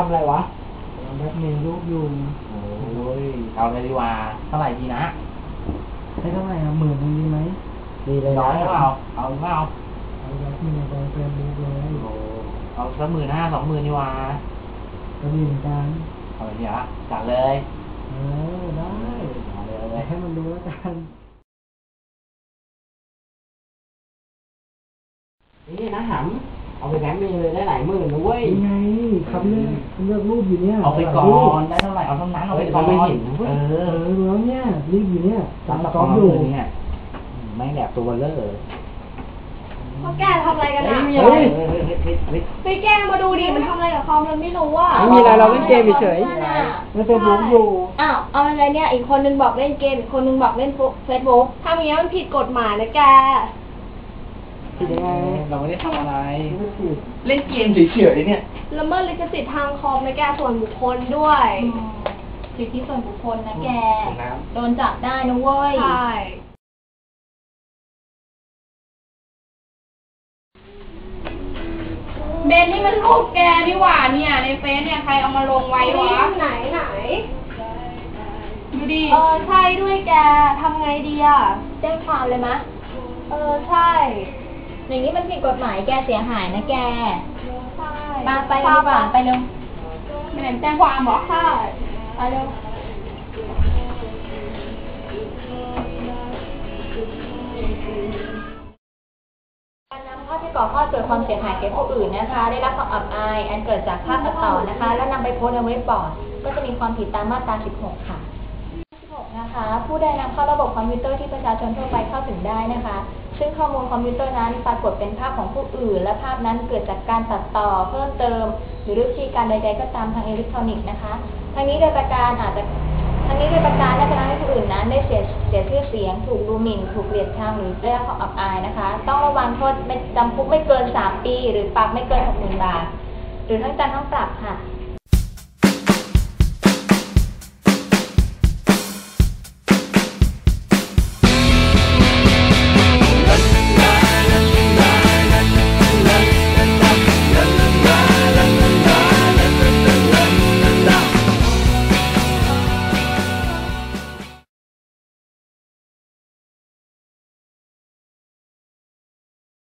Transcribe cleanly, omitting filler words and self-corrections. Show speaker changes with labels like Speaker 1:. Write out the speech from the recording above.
Speaker 1: ำอะไรวะ
Speaker 2: แบ็คเมย์ลูกอยู่
Speaker 1: โอ้ยเอาเลยดีกว่าเท่าไหร่ดีนะ
Speaker 2: ให้เท่าไหร่อะ10,000ดีไหม
Speaker 1: ดีเลยน้อยเปล่าเอาแบ็
Speaker 2: คเมย์ไปเฟรมบุ๊กเลย
Speaker 1: เอาสัก15,000 20,000ดีกว่า
Speaker 2: ก็ดีเหมือนกัน
Speaker 1: เอาเลยดีอ่ะจัดเลย
Speaker 2: ได้
Speaker 1: เอาเลย
Speaker 2: ให้มันดูแล้วกัน
Speaker 1: นี่นะหำเอาไปแบงค์เมย์เลยได้หลายหมื่นนะเว้ย
Speaker 2: ยังไงครับเลือกรูปอยู่เนี่ย
Speaker 1: เอาไปก่อนได้เท่าไหร่เอาเท่านั้นเอาไปก่อนไม่เห็น
Speaker 2: แล้วเนี่ยรีบอยู่เนี่ย
Speaker 1: ตั้งกล้องอยู่เนี่ยไม่แหลกตัวเลอะ
Speaker 3: พ่อแกทำอะไรกันอ่ะไปแกมาดูดิมันทำอะไรกับคอมมันไม่รู้อ่ะ
Speaker 2: ไม่มีอะไรเราเล่นเกมเฉยๆมันเป็นบุ๊กอยู่
Speaker 3: อ้าวเอาอะไรเนี่ยอีกคนนึงบอกเล่นเกมอีกคนนึงบอกเล่นเฟซบุ๊กทำอย่างนี้มันผิดกฎหมายนะแก
Speaker 2: ผิดยังไง
Speaker 1: เราไม่ได้ทำอะไรเล่นเกมเฉยๆเนี่ย
Speaker 3: ละเมิดลิขสิทธิ์ทางคอมนะแกส่วนบุคคลด้วย
Speaker 4: สิทธิส่วนบุคคลนะแกโดนจับได้นะเว้ย
Speaker 3: ใช่
Speaker 4: เบนนี่มันรูปแกนี่หว่าเนี่ยในเฟซเนี่ยใครเอามาลงไว้วะ
Speaker 3: ไหน
Speaker 4: ดูดิ
Speaker 3: ใช่ด้วยแกทำไงดีอ่ะ
Speaker 4: แจ้งความเลยมะ
Speaker 3: ใช่
Speaker 4: อย่างนี้มันผิดกฎหมายแกเสียหายนะแก
Speaker 3: ใช่
Speaker 4: ไปดีกว่าไปเร็วไม่ไหนแจ้งความหรอ
Speaker 3: ใช่ไปเร็ว
Speaker 4: การนำภาพที่ก่อข้อเกิดความเสียหายแก่ผู้อื่นนะคะได้รับความอับอายอันเกิดจากภาพตัดต่อนะคะแล้วนำไปโพสต์ในเว็บบอร์ดก็จะมีความผิดตามมาตรา 16 ค่ะ 16 นะคะผู้ใดนำเข้าระบบคอมพิวเตอร์ที่ประชาชนทั่วไปเข้าถึงได้นะคะซึ่งข้อมูลคอมพิวเตอร์นั้นปรากฏเป็นภาพของผู้อื่นและภาพนั้นเกิดจากการตัดต่อเพิ่มเติมหรือวิธีการใดๆก็ตามทางอิเล็กทรอนิกส์นะคะทั้งนี้โดยประการน่าจะทำให้ผู้อื่นนั้นได้เสียชื่อเสียงถูกดูหมิ่นถูกเกลียดชังหรือได้รับความอับอายนะคะต้องระวังโทษจำคุกไม่เกิน3 ปีหรือปรับไม่เกิน 60,000 บาทหรือทั้งจำทั้งปรับค่ะ